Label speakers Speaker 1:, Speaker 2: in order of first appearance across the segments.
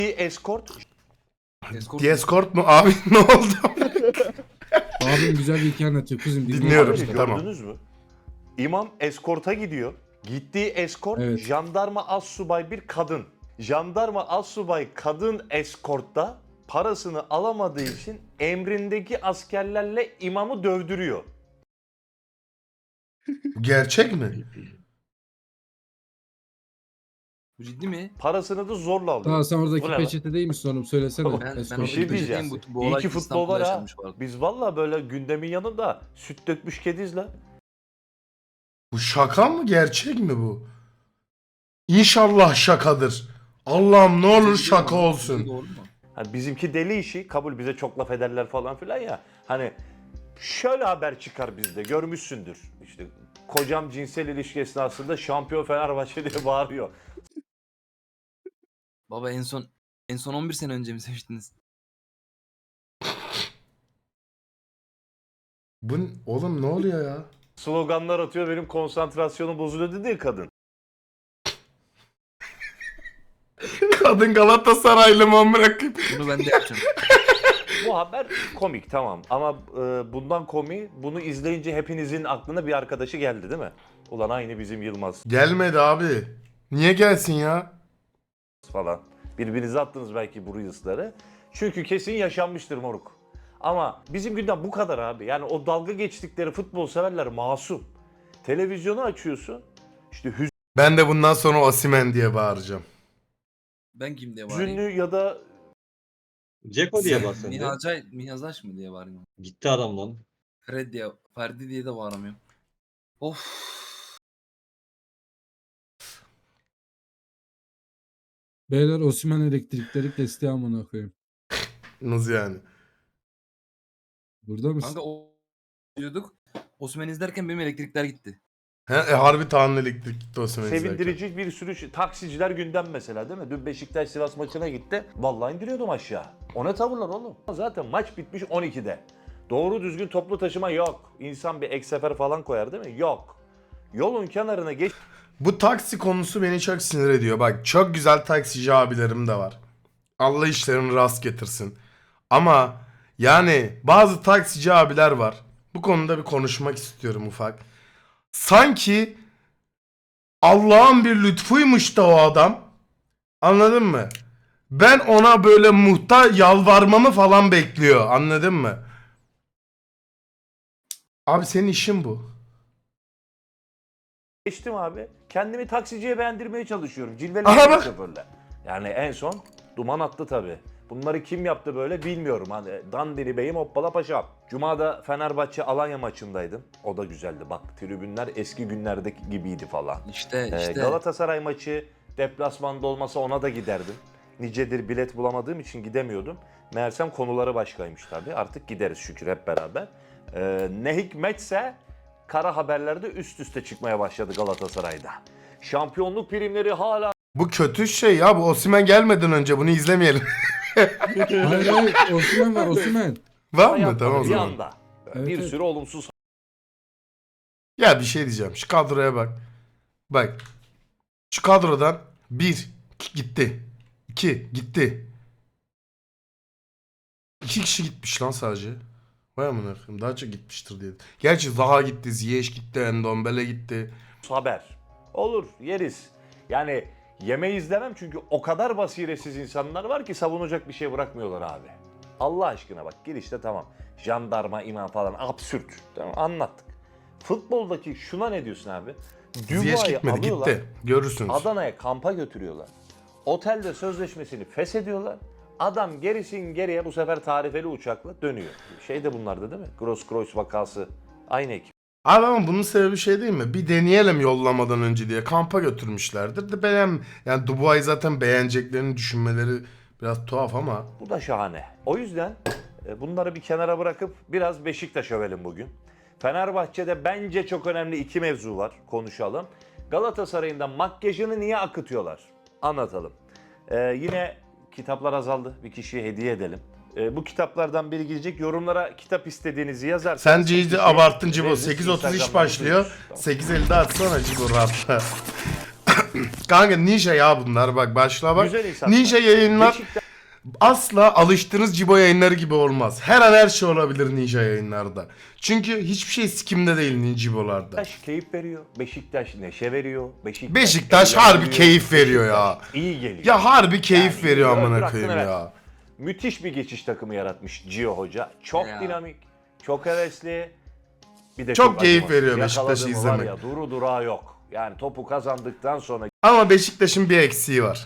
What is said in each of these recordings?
Speaker 1: Escort.
Speaker 2: Escort mu? Abi ne oldu?
Speaker 3: Abim güzel bir hikaye anlatıyor kızım.
Speaker 2: Dinliyorum.
Speaker 1: Abi,
Speaker 2: Tamam.
Speaker 1: gördünüz mü? İmam eskorta gidiyor. Gittiği eskort
Speaker 3: Evet.
Speaker 1: jandarma assubay bir kadın. Jandarma assubay kadın eskortta parasını alamadığı için emrindeki askerlerle imamı dövdürüyor.
Speaker 2: Bu gerçek mi?
Speaker 4: Bu ciddi mi?
Speaker 1: Parasını da zorla alıyor.
Speaker 3: Daha sen
Speaker 1: Bu
Speaker 3: oradaki
Speaker 1: ne lan?
Speaker 3: peçete değil misin oğlum? Söylesene.
Speaker 4: Ben
Speaker 3: Escort.
Speaker 1: Bir şey
Speaker 4: oradaki
Speaker 1: diyeceğim.
Speaker 4: peçeteyim, bu
Speaker 1: İyi
Speaker 4: olay
Speaker 1: ki futbol
Speaker 4: İstanbul'da
Speaker 1: var ha.
Speaker 4: yaşanmış bu arada.
Speaker 1: Biz valla böyle gündemin yanında süt dökmüş kediz la.
Speaker 2: Bu şaka mı? Gerçek mi bu? İnşallah şakadır. Allah'ım ne olur şaka olsun.
Speaker 4: Doğru mu?
Speaker 1: Hani bizimki deli işi, kabul, bize çok laf ederler falan filan ya. Hani şöyle haber çıkar bizde, görmüşsündür. İşte kocam cinsel ilişki esnasında şampiyon Fenerbahçe diye bağırıyor.
Speaker 4: Baba en son 11 sene önce mi seviştiniz?
Speaker 2: Bu oğlum ne oluyor ya?
Speaker 1: Sloganlar atıyor, benim konsantrasyonum bozuluyor dedi ya kadın.
Speaker 2: Kadın Galatasaraylı mı amına koyayım?
Speaker 4: Bunu ben de yapacağım.
Speaker 1: Bu haber komik tamam ama bundan komik, bunu izleyince hepinizin aklına bir arkadaşı geldi değil mi? Ulan aynı bizim Yılmaz
Speaker 2: Gelmedi abi. Niye gelsin ya?
Speaker 1: falan. Birbirinize attınız belki bu reels'ları. Çünkü kesin yaşanmıştır moruk. Ama bizim günden bu kadar abi. Yani o dalga geçtikleri futbol severler masum. Televizyonu açıyorsun. İşte
Speaker 2: Ben de bundan sonra Osimhen diye bağıracağım.
Speaker 4: Ben kim diye
Speaker 1: hüzünlü
Speaker 4: bağırayım?
Speaker 1: ya da
Speaker 5: Ceko diye bas sen de.
Speaker 4: Mihazaş mı diye bağırayım?
Speaker 5: Gitti adam lan.
Speaker 4: Fred diye, Ferdi diye de bağıramıyorum. Of.
Speaker 3: Beyler Osimhen elektrikleri kesti amına koyayım.
Speaker 2: Nasıl yani?
Speaker 3: Burada mısın?
Speaker 4: Kanka o diyorduk. Osman izlerken benim elektrikler gitti.
Speaker 2: He, harbi Tanrı elektrik gitti Osimhen izlerken.
Speaker 1: sevindirici bir sürü taksiciler gündem mesela değil mi? Dün Beşiktaş Sivas maçına gitti. Vallahi indiriyordum aşağı. O ne tavırlar oğlum? Zaten maç bitmiş 12'de. Doğru düzgün toplu taşıma yok. İnsan bir ek sefer falan koyar değil mi? Yok. Yolun kenarına geç.
Speaker 2: Bu taksi konusu beni çok sinir ediyor. Bak çok güzel taksici abilerim de var. Allah işlerini rast getirsin. Ama yani bazı taksici abiler var. Bu konuda bir konuşmak istiyorum ufak. Sanki Allah'ın bir lütfuymuş da o adam. Anladın mı? Ben ona böyle yalvarmamı falan bekliyor. Anladın mı? Abi senin işin bu.
Speaker 1: Geçtim abi. Kendimi taksiciye beğendirmeye çalışıyorum.
Speaker 2: Aha
Speaker 1: Cilvelerim
Speaker 2: bak.
Speaker 1: şoförle. Yani en son duman attı tabii. Bunları kim yaptı böyle bilmiyorum. Hani Dandini Bey'im hoppala paşam. Cuma'da Fenerbahçe Alanya maçındaydım. O da güzeldi. Bak tribünler eski günlerdeki gibiydi falan.
Speaker 4: İşte.
Speaker 1: Galatasaray maçı deplasmanda olmasa ona da giderdim. Nicedir bilet bulamadığım için gidemiyordum. Meğersem konuları başkaymış tabii. Artık gideriz şükür hep beraber. Ne hikmetse kara haberlerde üst üste çıkmaya başladı Galatasaray'da. Şampiyonluk primleri hala
Speaker 2: Bu kötü şey ya. Bu Osimhen gelmeden önce bunu izlemeyelim.
Speaker 3: Hayır hayır Osimhen var Osimhen.
Speaker 2: Var mı?
Speaker 1: yapmadı
Speaker 2: Tamam o
Speaker 1: bir
Speaker 2: zaman.
Speaker 1: anda.
Speaker 3: Evet,
Speaker 1: Bir
Speaker 3: evet.
Speaker 1: sürü olumsuz
Speaker 2: Ya bir şey diyeceğim. Şu kadroya bak. Bak. Şu kadrodan 1 gitti. 2 gitti. 2 kişi gitmiş lan sadece. Vay amına koyayım. Daha çok gitmiştir diye. Gerçi Zaha gitti, Ziyech gitti, Endombele gitti.
Speaker 1: haber. Olur yeriz. Yani yemeği izlemem çünkü o kadar basiretsiz insanlar var ki savunacak bir şey bırakmıyorlar abi. Allah aşkına bak girişte tamam. Jandarma, imam falan absürt. Tamam anlattık. Futboldaki şuna ne diyorsun abi?
Speaker 2: Ziyech
Speaker 1: Dubois'ı
Speaker 2: gitmedi,
Speaker 1: alıyorlar.
Speaker 2: gitti. Görürsünüz.
Speaker 1: Adana'ya kampa götürüyorlar. Otelde sözleşmesini feshediyorlar. Adam gerisin geriye bu sefer tarifeli uçakla dönüyor. Şey de bunlarda değil mi? Grosskreutz vakası. Aynı ekip.
Speaker 2: Abi ama bunun sebebi şey değil mi? Bir deneyelim yollamadan önce diye kampa götürmüşlerdir. De yani Dubois'ı zaten beğeneceklerini düşünmeleri biraz tuhaf ama.
Speaker 1: Bu da şahane. O yüzden bunları bir kenara bırakıp biraz Beşiktaş övelim bugün. Fenerbahçe'de bence çok önemli iki mevzu var. Konuşalım. Galatasaray'ın da makyajını niye akıtıyorlar? Anlatalım. Yine kitaplar azaldı. Bir kişiye hediye edelim. Bu kitaplardan biri gidecek. Yorumlara kitap istediğinizi yazarsanız.
Speaker 2: Sence iyice abarttın Cibo.
Speaker 1: veririz.
Speaker 2: 8.30 iş
Speaker 1: Instagram'dan
Speaker 2: başlıyor.
Speaker 1: duyururuz. Tamam.
Speaker 2: 8.50'de atsana Cibo rahatla. Kanka ninja ya bunlar bak başla bak.
Speaker 1: Güzel insanlar.
Speaker 2: Ninja yayınlar
Speaker 1: Beşiktaş
Speaker 2: asla alıştığınız Cibo yayınları gibi olmaz. Her an her şey olabilir ninja yayınlarda. Çünkü hiçbir şey sikimde değil Cibo'larda.
Speaker 1: keyif veriyor. Beşiktaş neşe veriyor.
Speaker 2: Beşiktaş
Speaker 1: eğlendiriyor.
Speaker 2: harbi keyif veriyor ya.
Speaker 1: Beşiktaş iyi geliyor.
Speaker 2: Ya harbi keyif
Speaker 1: Yani
Speaker 2: veriyor
Speaker 1: öldür
Speaker 2: amına
Speaker 1: hakkını
Speaker 2: koyayım
Speaker 1: ver.
Speaker 2: ya.
Speaker 1: Müthiş bir geçiş takımı yaratmış Gio Hoca. Çok
Speaker 4: Ya.
Speaker 1: dinamik, çok hevesli. Bir de
Speaker 2: Çok keyif
Speaker 1: acımasız.
Speaker 2: veriyor Beşiktaş'ı
Speaker 1: Yakaladı mı var
Speaker 2: izlemek.
Speaker 1: ya, duru durağı yok. Yani topu kazandıktan sonra
Speaker 2: Ama Beşiktaş'ın bir eksiği var.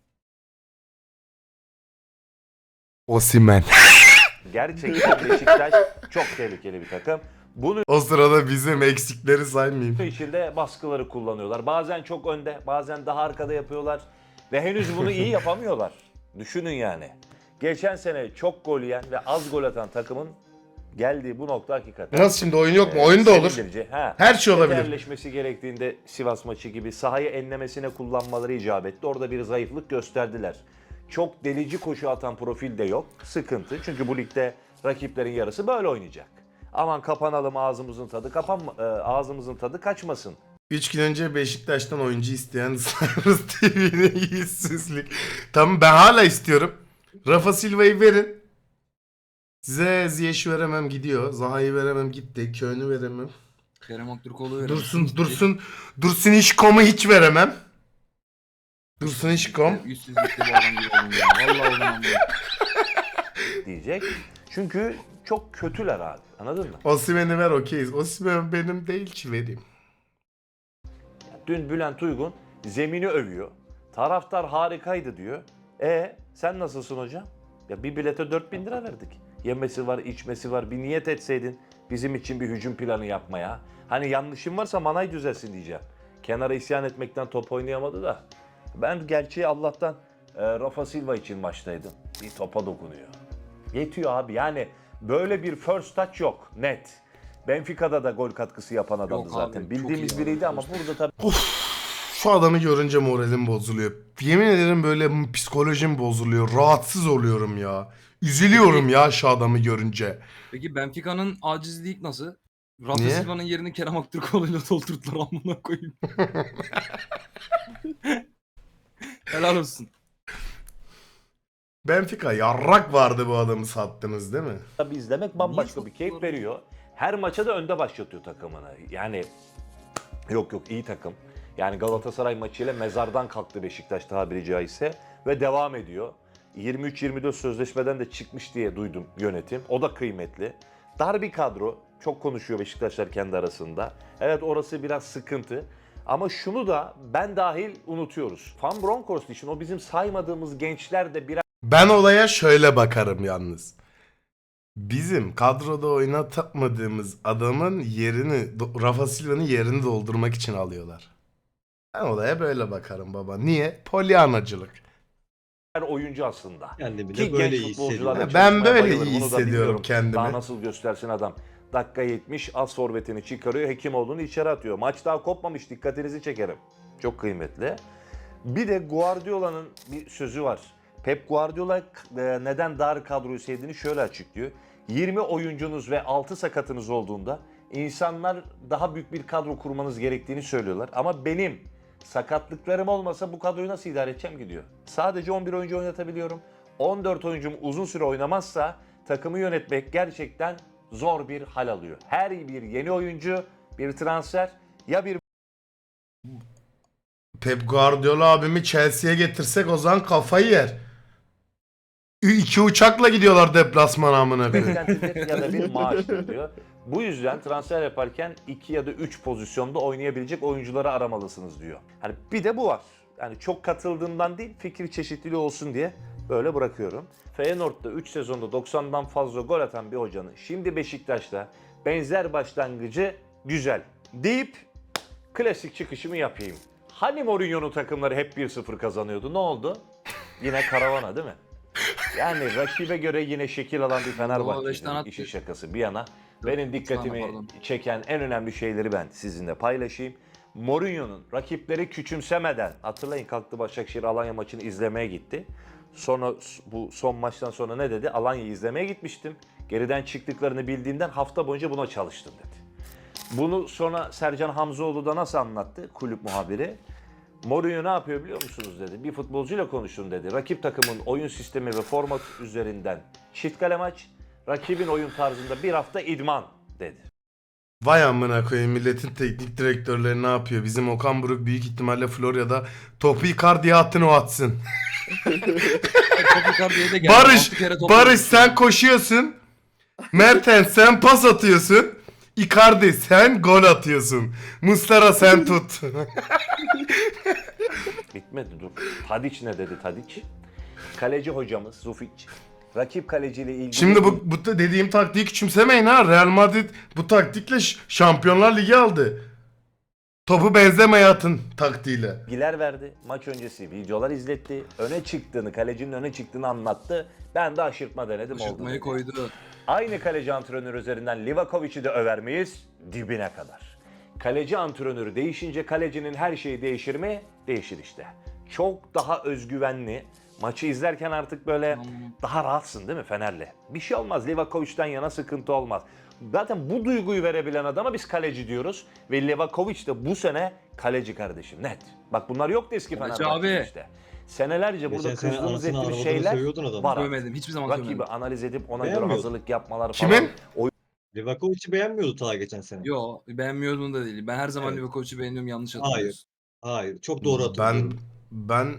Speaker 2: Osimhen.
Speaker 1: gerçekten Beşiktaş çok tehlikeli bir takım. Bunun
Speaker 2: O sırada bizim eksikleri saymayayım.
Speaker 1: içinde baskıları kullanıyorlar. Bazen çok önde, bazen daha arkada yapıyorlar. Ve henüz bunu iyi yapamıyorlar. Düşünün yani. Geçen sene çok gol yiyen ve az gol atan takımın geldiği bu nokta hakikaten.
Speaker 2: Nasıl şimdi oyun yok mu? Oyun da olur.
Speaker 1: sevindirici. Ha.
Speaker 2: Her şey olabilir.
Speaker 1: Yerleşmesi gerektiğinde Sivas maçı gibi sahayı enlemesine kullanmaları icap etti. Orada bir zayıflık gösterdiler. Çok delici koşu atan profil de yok. Sıkıntı. Çünkü bu ligde rakiplerin yarısı böyle oynayacak. Aman kapanalım ağzımızın tadı ağzımızın tadı kaçmasın.
Speaker 2: 3 gün önce Beşiktaş'tan oyuncu isteyen Cyrus TV'ne yüzsüzlük. Tamam ben hala istiyorum. Rafa Silva'yı verin. Size Ziyech'i veremem gidiyor. Zaha'yı veremem gitti. Köy'ünü veremem.
Speaker 4: Kerem Aktürkoğlu verir.
Speaker 2: Dursun İşkom'u hiç veremem. Dursun İşkom.
Speaker 4: Yüzsüzlükte bu adam gibi oldum ya. Vallahi oldum ama.
Speaker 1: Diyecek. Çünkü çok kötüler abi. Anladın mı?
Speaker 2: Osimhen'i ver okeyiz. Osimhen benim değil ki vereyim.
Speaker 1: Dün Bülent Uygun zemini övüyor. Taraftar harikaydı diyor. Sen nasılsın hocam? Ya bir bilete 4.000 lira verdik. Yemesi var, içmesi var. Bir niyet etseydin bizim için bir hücum planı yapmaya. Hani yanlışım varsa manay düzelsin diyeceğim. Kenara isyan etmekten top oynayamadı da. Ben gerçeği Allah'tan Rafa Silva için maçtaydım. Bir topa dokunuyor. Yetiyor abi yani böyle bir first touch yok net. Benfica'da da gol katkısı yapan adamdı
Speaker 4: Yok
Speaker 1: zaten.
Speaker 4: abi, çok
Speaker 1: Bildiğimiz
Speaker 4: iyi
Speaker 1: biriydi
Speaker 4: adam.
Speaker 1: ama burada tabii
Speaker 2: Şu adamı görünce moralim bozuluyor. Yemin ederim böyle psikolojim bozuluyor. Rahatsız oluyorum ya. Üzülüyorum ya şu adamı görünce.
Speaker 4: Peki Benfica'nın acizliği nasıl? Rafa
Speaker 2: Niye?
Speaker 4: Silva'nın yerini Kerem Aktürkoğlu'yla doldurdular amına koyayım. Helal olsun.
Speaker 2: Benfica yarrak vardı bu adamı sattınız değil mi?
Speaker 1: tabii izlemek bambaşka
Speaker 4: Niye
Speaker 1: bir keyif
Speaker 4: sattılar?
Speaker 1: veriyor. Her maça da önde başlatıyor takımını. Yani yok iyi takım. Yani Galatasaray maçıyla mezardan kalktı Beşiktaş tabiri caizse ve devam ediyor. 23-24 sözleşmeden de çıkmış diye duydum yönetim. O da kıymetli. Dar bir kadro. Çok konuşuyor Beşiktaşlar kendi arasında. Evet orası biraz sıkıntı. Ama şunu da ben dahil unutuyoruz. Van Bronckhorst için o bizim saymadığımız gençler de biraz
Speaker 2: Ben olaya şöyle bakarım yalnız. Bizim kadroda oynatamadığımız adamın yerini, Rafa Silva'nın yerini doldurmak için alıyorlar. Ben olaya böyle bakarım baba. Niye? Polyanacılık.
Speaker 1: oyuncu aslında.
Speaker 5: Kendimi
Speaker 1: Ki
Speaker 5: de böyle
Speaker 1: genç
Speaker 5: iyi
Speaker 1: futbolcularla
Speaker 5: hissediyorum.
Speaker 2: Ben
Speaker 1: çalışmaya
Speaker 2: böyle
Speaker 1: bayılırım.
Speaker 2: iyi
Speaker 1: Onu da
Speaker 2: hissediyorum
Speaker 1: bilmiyorum.
Speaker 2: kendimi.
Speaker 1: Daha nasıl göstersin adam. Dakika 70 az forvetini çıkarıyor. Hekimoğlu'nu içeri atıyor. Maç daha kopmamış. Dikkatinizi çekerim. Çok kıymetli. Bir de Guardiola'nın bir sözü var. Pep Guardiola neden dar kadroyu sevdiğini şöyle açıklıyor. 20 oyuncunuz ve 6 sakatınız olduğunda insanlar daha büyük bir kadro kurmanız gerektiğini söylüyorlar. Ama benim sakatlıklarım olmasa bu kadroyu nasıl idare edeceğim ki diyor. Sadece 11 oyuncu oynatabiliyorum. 14 oyuncum uzun süre oynamazsa takımı yönetmek gerçekten zor bir hal alıyor. Her bir yeni oyuncu bir transfer ya bir
Speaker 2: Pep Guardiola abimi Chelsea'ye getirsek o zaman kafayı yer. 2 uçakla gidiyorlar deplasmana amına koyayım.
Speaker 1: beklentidir ya da bir maaştır diyor. Bu yüzden transfer yaparken 2 ya da 3 pozisyonda oynayabilecek oyuncuları aramalısınız diyor. Hani bir de bu var. Yani çok katıldığımdan değil fikir çeşitliliği olsun diye böyle bırakıyorum. Feyenoord'da 3 sezonda 90'dan fazla gol atan bir hocanın şimdi Beşiktaş'ta benzer başlangıcı güzel deyip klasik çıkışımı yapayım. Hani Mourinho'nun takımları hep 1-0 kazanıyordu? Ne oldu? Yine karavana değil mi? Yani rakibe göre yine şekil alan bir
Speaker 4: beş
Speaker 1: Fenerbahçe.
Speaker 4: tane attı.
Speaker 1: İşin şakası bir yana. Benim dikkatimi
Speaker 4: pardon.
Speaker 1: çeken en önemli şeyleri ben sizinle paylaşayım. Mourinho'nun rakipleri küçümsemeden, hatırlayın kalktı Başakşehir Alanya maçını izlemeye gitti. Sonra bu son maçtan sonra ne dedi? Alanya'yı izlemeye gitmiştim. Geriden çıktıklarını bildiğimden hafta boyunca buna çalıştım dedi. Bunu sonra Sercan Hamzoğlu da nasıl anlattı kulüp muhabiri? Mourinho ne yapıyor biliyor musunuz dedi. Bir futbolcuyla konuşun dedi. Rakip takımın oyun sistemi ve format üzerinden çift kale maç, rakibin oyun tarzında bir hafta idman dedi.
Speaker 2: Vay amına koyayım, milletin teknik direktörleri ne yapıyor? Bizim Okan Buruk büyük ihtimalle Florya'da topu Icardi'ye attın, o atsın.
Speaker 4: Top Icardi'ye de geldi.
Speaker 2: Barış,
Speaker 4: 6 kere top
Speaker 2: Barış
Speaker 4: attı.
Speaker 2: sen koşuyorsun. Mertens sen pas atıyorsun. Icardi sen gol atıyorsun. Muslera sen tut.
Speaker 1: Bitmedi dur. Tadic ne dedi Tadic? Kaleci hocamız Zufic. Rakip kaleciyle ilgili...
Speaker 2: Şimdi bu dediğim taktiği küçümsemeyin ha. Real Madrid bu taktikle Şampiyonlar Ligi aldı. Topu benzemeye atın taktiğiyle.
Speaker 1: bilgiler verdi. Maç öncesi videolar izletti. Öne çıktığını, kalecinin öne çıktığını anlattı. Ben de aşırtma denedim oldu.
Speaker 4: Şırtmayı
Speaker 1: dedi.
Speaker 4: koydu.
Speaker 1: Aynı kaleci antrenörü üzerinden Livakovic'i de över miyiz? Dibine kadar. Kaleci antrenörü değişince kalecinin her şeyi değişir mi? Değişir işte. Çok daha özgüvenli. Maçı izlerken artık böyle daha rahatsın değil mi Fener'le? Bir şey olmaz. Livakovic'den yana sıkıntı olmaz. Zaten bu duyguyu verebilen adama biz kaleci diyoruz. Ve Livakovic de bu sene kaleci kardeşim net. Bak bunlar yoktu eski
Speaker 4: Kaleci
Speaker 1: Fenerbahçe'de
Speaker 4: abi.
Speaker 1: işte. Senelerce burada
Speaker 5: Geçen sene
Speaker 1: kızdığımız
Speaker 5: anasını
Speaker 1: ettiğimiz
Speaker 5: ağlamadığını
Speaker 1: şeyler
Speaker 5: sövüyordun adamı.
Speaker 1: var.
Speaker 4: Sövmedim. Hiçbir zaman
Speaker 1: Rakibi
Speaker 4: sövmedim.
Speaker 1: analiz edip ona göre
Speaker 5: Beğenmiyordun.
Speaker 1: hazırlık yapmalar falan.
Speaker 2: Kimin?
Speaker 5: Livakovic'i beğenmiyordu ta geçen sene.
Speaker 4: Yo, beğenmiyordum da değil. Ben her zaman
Speaker 5: Evet.
Speaker 4: Livakovic'i beğeniyorum, yanlış
Speaker 5: Hayır.
Speaker 4: hatırlıyorsun.
Speaker 5: Hayır. Çok doğru hatırlıyorum.
Speaker 2: Ben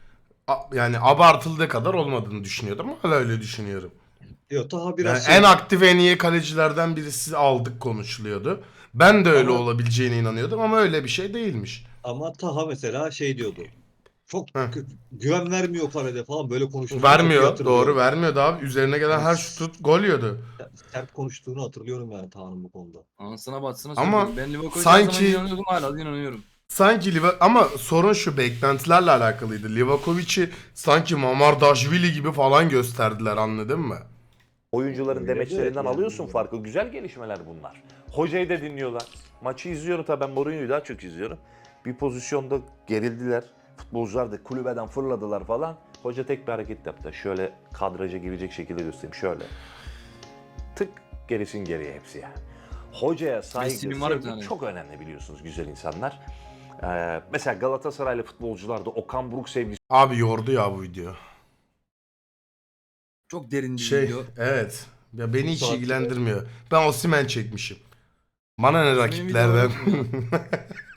Speaker 2: yani abartıldığı kadar olmadığını düşünüyordum ama hala öyle düşünüyorum.
Speaker 5: Yok Taha
Speaker 2: Yani
Speaker 5: biraz
Speaker 2: en aktif en iyi kalecilerden birisi aldık konuşuluyordu. Ben de öyle
Speaker 5: Ama-
Speaker 2: olabileceğine inanıyordum ama öyle bir şey değilmiş.
Speaker 5: Ama Taha mesela şey diyordu. Çok
Speaker 2: Heh.
Speaker 5: güven vermiyor kalede falan böyle konuştuğunu
Speaker 2: Vermiyor,
Speaker 5: hatırlıyorum.
Speaker 2: doğru vermiyordu abi. Üzerine gelen her şutu gol yiyordu.
Speaker 5: Sert konuştuğunu hatırlıyorum yani Taha'nın bu konuda.
Speaker 4: Anasına batsına
Speaker 2: Ama
Speaker 4: söylüyorum. Ben Livakovic'e
Speaker 2: sanki-
Speaker 4: her zaman inanıyordum, hala da inanıyorum.
Speaker 2: Sanki ama sorun şu, beklentilerle alakalıydı. Livakovic'i sanki Mamardashvili gibi falan gösterdiler, anladın mı?
Speaker 1: Oyuncuların
Speaker 5: Öyle
Speaker 1: demeçlerinden
Speaker 5: de yani.
Speaker 1: alıyorsun farkı. Güzel gelişmeler bunlar. Hocayı da dinliyorlar. Maçı izliyorum tabii, ben Mourinho'yu daha çok izliyorum. Bir pozisyonda gerildiler. Futbolcular da kulübeden fırladılar falan. Hoca tek bir hareket yaptı. Şöyle kadraja girecek şekilde göstereyim. Şöyle. Tık, gerisin geriye hepsi yani. Hocaya saygı,
Speaker 4: Messi'nin var bir
Speaker 1: sevgi
Speaker 4: tane.
Speaker 1: çok önemli biliyorsunuz güzel insanlar. Mesela Galatasaraylı futbolcularda Okan Buruk sevgisi
Speaker 2: Abi yordu ya bu video.
Speaker 4: Çok derin bir video.
Speaker 2: Evet. Ya beni hiç
Speaker 5: Saatinde-
Speaker 2: ilgilendirmiyor. Ben Osimhen çekmişim. Bana ne
Speaker 4: Osimhen'in
Speaker 2: rakiplerden.
Speaker 4: videoları yok